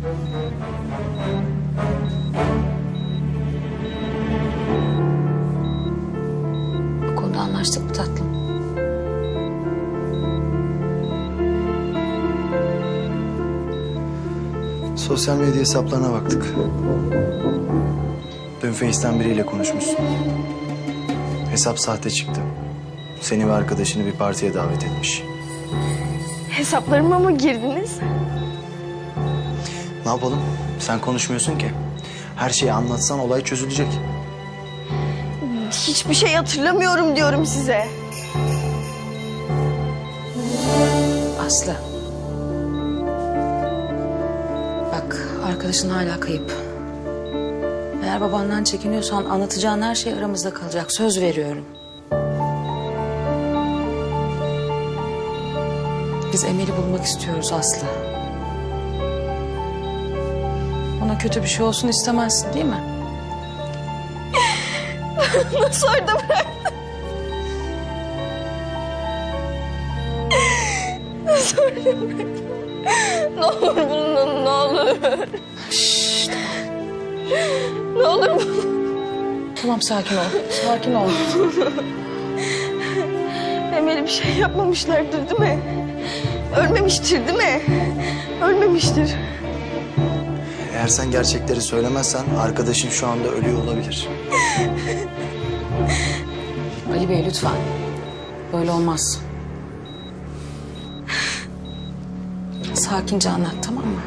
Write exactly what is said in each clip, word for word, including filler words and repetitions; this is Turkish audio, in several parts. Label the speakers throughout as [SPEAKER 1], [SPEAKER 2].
[SPEAKER 1] Bu konuda anlaştık mı tatlım?
[SPEAKER 2] Sosyal medya hesaplarına baktık. Dün Face'ten biriyle konuşmuşsun. Hesap sahte çıktı. Seni ve arkadaşını bir partiye davet etmiş.
[SPEAKER 3] Hesaplarıma mı girdiniz?
[SPEAKER 2] Ne yapalım? Sen konuşmuyorsun ki. Her şeyi anlatsan olay çözülecek.
[SPEAKER 3] Hiçbir şey hatırlamıyorum diyorum size.
[SPEAKER 1] Aslı. Bak, arkadaşın hala kayıp. Eğer babandan çekiniyorsan anlatacağın her şey aramızda kalacak. Söz veriyorum. Biz Emel'i bulmak istiyoruz Aslı. Ona kötü bir şey olsun istemezsin değil mi?
[SPEAKER 3] Nasıl orada bıraktın? Nasıl orada bıraktın? Ne olur bulun, ne olur.
[SPEAKER 1] Şşş.
[SPEAKER 3] Ne olur bulun.
[SPEAKER 1] Tamam, sakin ol. Sakin ol.
[SPEAKER 3] Emel'e bir şey yapmamışlardır değil mi? Ölmemiştir değil mi? Ölmemiştir.
[SPEAKER 2] Eğer sen gerçekleri söylemezsen arkadaşın şu anda ölüyor olabilir.
[SPEAKER 1] Ali Bey lütfen. Böyle olmaz. Sakince anlat, tamam mı?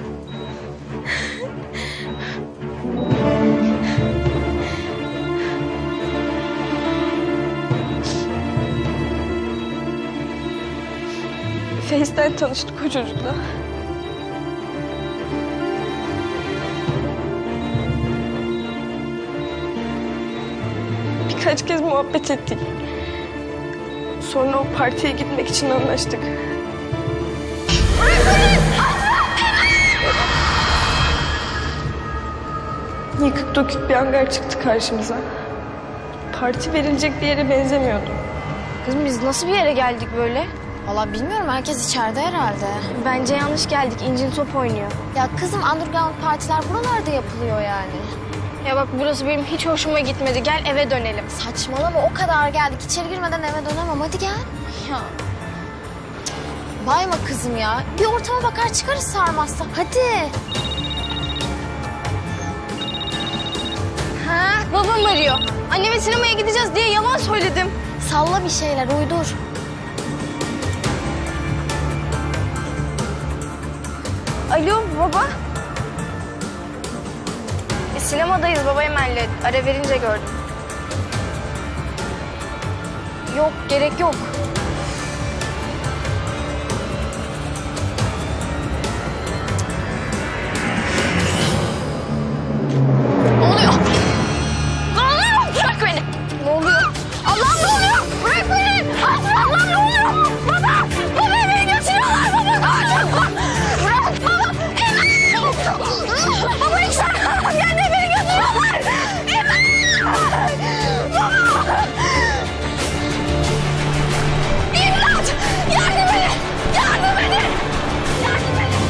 [SPEAKER 3] Face'ten tanıştık o çocukla. Birkaç kez muhabbet ettik. Sonra o partiye gitmek için anlaştık. Yıkık dökük bir hangar çıktı karşımıza. Parti verilecek bir yere benzemiyordu.
[SPEAKER 4] Kızım biz nasıl bir yere geldik böyle? Vallahi bilmiyorum, herkes içeride herhalde.
[SPEAKER 3] Bence yanlış geldik. İncin top oynuyor.
[SPEAKER 4] Ya kızım, underground partiler buralarda yapılıyor yani.
[SPEAKER 3] Ya bak, burası benim hiç hoşuma gitmedi. Gel eve dönelim.
[SPEAKER 4] Saçmalama, o kadar geldik. İçeri girmeden eve dönemem, hadi gel. Ya. Bayma kızım ya. Bir ortama bakar çıkarız sarmazsa. Hadi.
[SPEAKER 3] Ha, babam arıyor. Anneme sinemaya gideceğiz diye yalan söyledim.
[SPEAKER 4] Salla bir şeyler, uydur.
[SPEAKER 3] Alo baba. E, sinemadayız baba Emel'le. Ara verince gördüm. Yok, gerek yok. Ne oluyor? Ne oluyor? Bırak beni. Ne oluyor? Allah'ım ne oluyor? Bırak beni. Aslı Allah'ım ne oluyor? Baba! Baba beni götürüyorlar baba. Bırak baba. Emel! Baba lütfen. Yani beni götürüyorlar. Emel! Baba! İmdat! Yardım edin! Yardım edin! Yardım edin!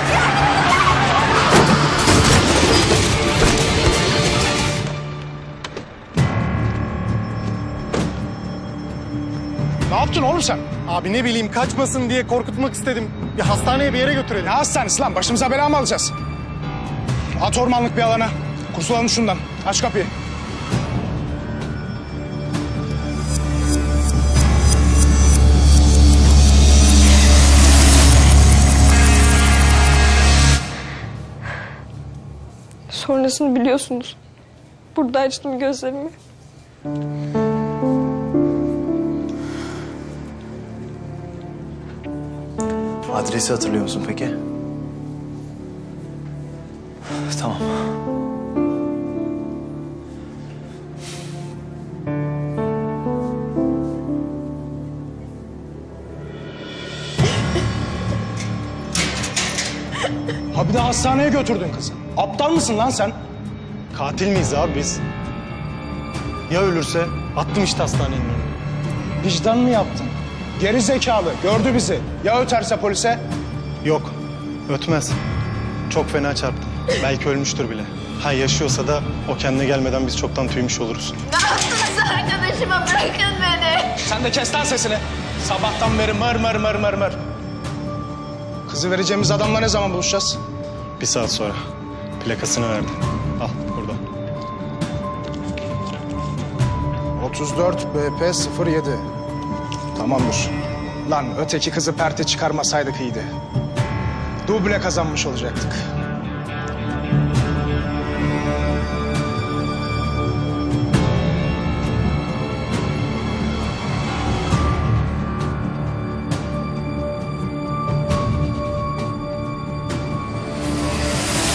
[SPEAKER 5] Ne yaptın oğlum sen? Abi ne bileyim, kaçmasın diye korkutmak istedim. Bir hastaneye, bir yere götürelim. Ne hastanesi lan? Başımıza bela mı alacağız? At ormanlık bir alana. Kurtulalım şundan. Aç kapıyı.
[SPEAKER 3] Sonrasını biliyorsunuz. Burada açtım gözlerimi.
[SPEAKER 2] Adresi hatırlıyor musun peki? Tamam.
[SPEAKER 5] Ha bir de hastaneye götürdün kızı. Aptal mısın lan sen? Katil miyiz abi biz? Ya ölürse? Attım işte hastanenin önüne. Vicdan mı yaptın? Geri zekalı, gördü bizi. Ya öterse polise? Yok, ötmez. Çok fena çarptı. Belki ölmüştür bile. Ha yaşıyorsa da o kendine gelmeden biz çoktan tüymüş oluruz.
[SPEAKER 3] Arkadaşıma bırakın beni.
[SPEAKER 5] Sen de kes lan sesini. Sabahtan beri mır mır mır mır mır.
[SPEAKER 6] Kızı vereceğimiz adamla ne zaman buluşacağız?
[SPEAKER 5] Bir saat sonra. Plakasını verdim. Al burada.
[SPEAKER 6] otuz dört B P sıfır yedi. Tamamdır. Lan öteki kızı perte çıkarmasaydık iyiydi. Duble kazanmış olacaktık.